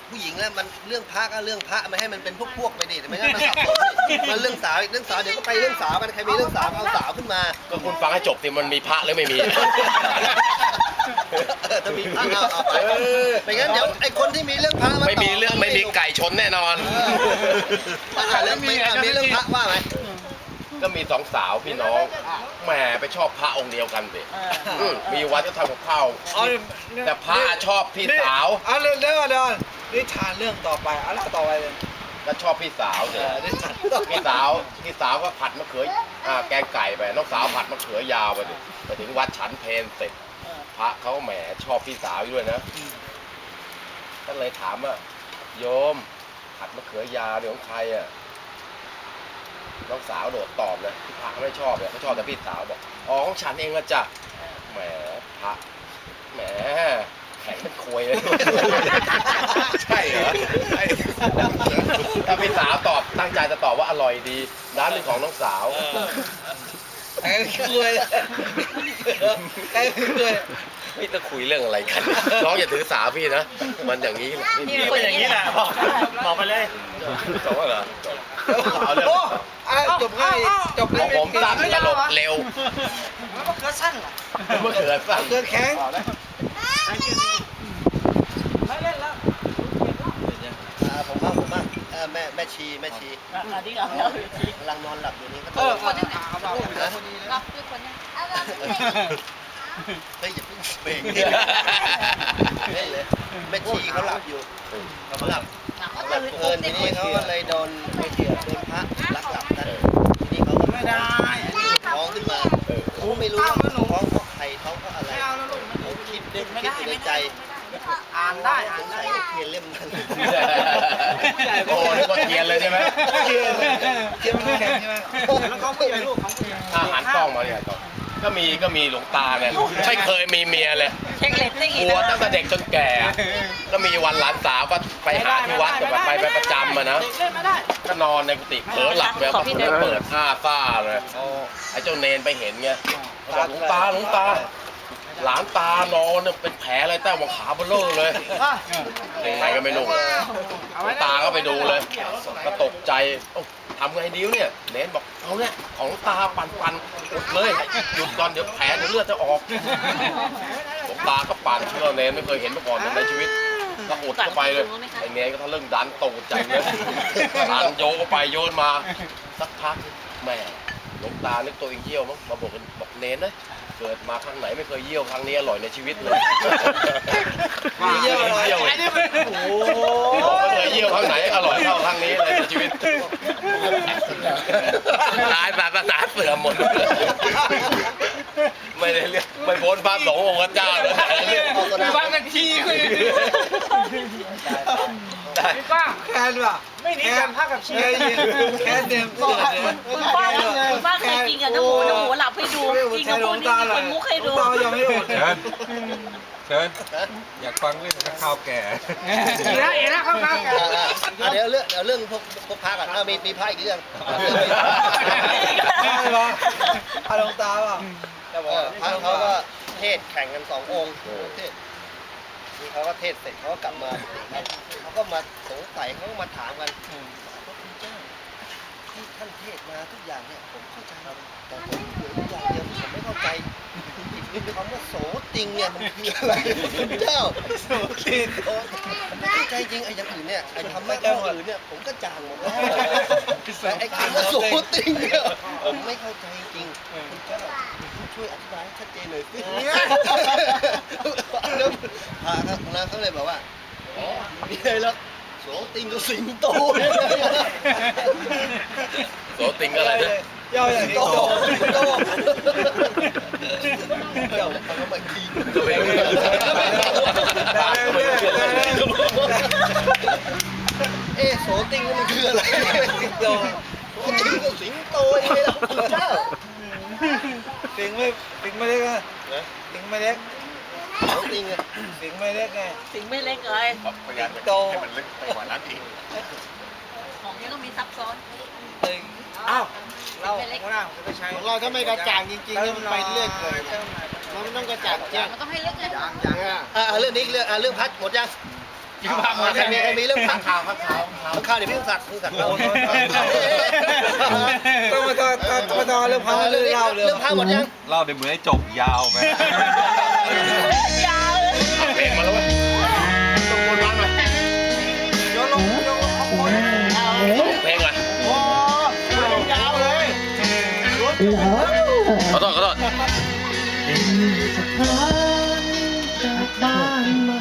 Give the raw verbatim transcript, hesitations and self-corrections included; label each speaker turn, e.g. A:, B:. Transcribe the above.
A: ผู้หญิงแล้วมันเรื่องพระก็เรื่องพระไม่ให้มันเป็นพวกพวกไปดิไม่งั้นมันสับสนมันเรื่องสาวอีกเรื่องสาวเดี๋ยวก็ไปเรื่องสาวกันใครมีเรื่องสาวเอาสาวขึ้นมา
B: ก็คุณฟังให้จบสิมันมีพระหรือไม่มี
A: ถ้ามีพระเอาเอาไปไม่งั้นเดี๋ยวไอ้คนที่มีเรื่องพระ
B: ไม่มีเรื่องไม่มีไก่ชนแน่นอน
A: เรื่องมีมีเรื่องพระว่าไหม
B: ก็มีสองสาวพี่น้องแหมไปชอบพระองค์เดียวกันสิมีวัดก็ทำกับข้าวแต่พระชอบพี่สาว
C: เอาเรื่องเรื่องเดี๋ยวนิทานเรื่องต่อไปเอาเล่าต่อไปเลย
B: ก็ชอบพี่สาวเนี่ยพี่สาวพี่สาวก็ผัดมะเขืออ่าแกงไก่ไปน้องสาวผัดมะเขือยาวไปดิไปถึงวัดฉันเพลเสร็จพระเขาแหมชอบพี่สาวด้วยนะก็เลยถามว่าโยมผัดมะเขือยาวเนี่ยของใครอ่ะน้องสาวโดดตอบเลยพี่พระเขาไม่ชอบเนี่ยเขาชอบแต่พี่สาวบอกอ๋อของฉันเองละจ้ะแหมพระแหมแข็งเป็นโคยเลยใช่เหรอถ้าพี่สาวตอบตั้งใจจะตอบว่าอร่อยดีร้านเป็นของน้องสาว
C: ไอ้คุยไอ้คุย
B: พี่จะคุยเรื่องอะไรกันน้องอย่าถือสาพี่นะมันอย่างนี้
D: นี่เป็นอย่างนี้แหละบอกไปเลย
B: จบเหรอ
C: เอาเลยจบง่ายจบง่าย
B: ผมสั้นตลกเร็ว
D: มันก็เกิดสั้นอ่ะ
B: มันเกิดสั้น
C: เกิดแข็ง
D: ไม่เล่นแล้ว
A: ผมว่าผมว่าแม่แม่ชีแม่ชี
D: อันนี้เรา
A: กำลังนอนหลับอยู่นี่ก็
D: เออคนนี้หลับหลับด้วยคนนี้
A: เฮ้ยอย่าเพิ่งเบรกเล่นเลยแม่ชีเขาหลับอยู่เขาหลับเอิญทีนี้เขาก็เลยโดนโดนพระลักหลับนั่นทีนี้เขาก็
D: ไม่ได้
A: ท้องขึ้นมาเขาไม่รู้ว่าท้องเพราะใครท้องเพราะอะไรเขาคิดนึกคิดอยู่ในใจ
D: อ่านได้อ่าน
A: ได้เทียนเล่มนั้น
B: โอ้นึกว่าเทียนเลยใช่ไหม
C: เทียนเทียนมันแข็งใช่ไหม
D: แล้วเขาผู้ใหญ่ลูกของผู้ใหญ่
B: อาหารกล้องมาเนี่ยต่อก็มีก็มีหลวงตาเนี่ยไม่เคยมีเมียเลยกลัวตั้งแต่เด็กจนแก่ก็มีวันหลานสาวก็ไปหาที่วัดแต่ไปไปประจำมานะก็นอนในกุฏิเผลอหลับแล้วก็เปิดอ้าซ่าเลยไอ้เจ้าเนนไปเห็นไงบอกหลวงตาหลวงตาหลานตานอนเป็นแผลอะไรใต้หัวขาเบลอเลยยังไงก็ไม่รู้หลวงตาก็ไปดูเลยก็ตกใจทำไงดิ้วเนี่ยเนนบอกเอาเนี่ยของตาปั่นปั่นหยุดเลยหยุดก่อนเดี๋ยวแผลเดี๋ยวเลือดจะออกหลวงตาก็ปั่นเชื่อเนนไม่เคยเห็นมาก่อนในชีวิตก็อุดเข้าไปเลยไอ้เนนก็ทะลึ่งดันตกใจเลยดันโยกไปโยนมาสักพักแม่หลวงตานึกตัวเองเยี่ยวมั้งมาบอกบอกเนนนะเกิดมาครั้งไหนไม่เคยเยี่ยวครั้งนี้อร่อยในชีวิตเลย
C: เยี่ยวอร่อย
B: โอ้ไม่เคยเยี่ยวครั้งไหนอร่อยเท่าครั้งนี้เลยในชีวิตตายศาสนาเสื่อมหมดไม่ได้เรื่องไม่พ้นพระสงฆ์องค์เจ้าเลย
D: ฟังกันทีคือ
C: พี่ป้าแคนว่ะ
D: ไม่หนีกันพักกับชี
C: แคนเดิม
E: คุณป้าคุณป้าเคยกินกับน้ำหมูน้ำหมูหลับให้ดูกินกับพวกนี้คนมุกให้ดู
C: ยังไม่อด
F: เชิญอยากฟังเรื่องข้าวแก่
D: เอ๋นะเอ๋นะข้าวแก่
A: เดี๋ยวเรื่องเดี๋ยวเรื่องพวกพวกพระก่อนมีมีพระอีกเรื่อง
C: ใช่ปะพระหลวงตาป่ะ
A: พระเขาก็เทศแข่งกันสององค์เทศนี่เขาก็เทศเสร็จเขาก็กลับมาเขาก็มาสงสัยเขาก็มาถามกันพระคุณเจ้าที่ท่านเทศมาทุกอย่างเนี่ยผมเข้าใจแต่ผมเหลืออย่างเดียวที่ผมไม่เข้าใจคำว่าโสติงเนี่ยมันคืออะไรคุณเจ้า
C: โสติง
A: ไม่เข้าใจจริงไอ้อย่างอื่นเนี่ยไอ้คำว่าเจ้าอื่นเนี่ยผมก็จางหมดแล้วแต่ไอ้คำว่าโสติงเนี่ยผมไม่เข้าใจจริงคุณเจ้าช่วยอธิบายให้ชัดเจนหน่อยสิแล้วพระครับนะเขาเลยบอกว่าอ๋อมีอะไรแล้วโสติงกับสิงโต
B: โสติงก็อะไรเนี่ย
C: ย่ออย่างนี้โตโต
A: เจ้าเขาก็มากินเอ๊ะโสติงมันคืออะไรสิงโตโสติงกับสิงโตยังไงล่ะคุณเจ้า
C: สิงไม่สิงไม่เล็กนะสิงไม่เล็ก
A: โสติงอะ
C: สิงไม่เล็กไง
E: สิงไม่เล็กเลย
B: พยายามจะให้มันลึกไปกว่านั้นอีก
E: ของนี้ต้องมีซับซ้อน
D: อ้าว
C: เรา
A: ของเราถ้าไม่กระจ่างจริงๆเนี่ยมันไปเรื่อยเลยเราไม่ต้องกระจ่างแจ้ง
E: มันต้องให้เล็กเลย
A: อ่าเรื่องนี้เรื่องอ่าเรื่องพัดหมดยัง
D: อยู่บ้านหมด
A: ใครมีใครมีเรื่องข้าง
B: ข่าวข้าวข่าว
A: ข้าวเดี๋ยวพี่ต้องสัตว์พี่สัตว์เรา
C: ต้องมาต่อต้องมาต่อเรื่องพาเรื่องเล่าเลย
A: เรื่องข้าวหมดยัง
F: เล่าในเหมือนให้จบยาวไป
E: ยาวเลย
B: เพลงมาแล้วเว้ยต้องวนวันมา
C: โยนลงโยนลงข้างบน
B: เพลงมา
A: โอ้ยาวเลย
B: ขอโทษขอโทษ
G: จากบ้านมา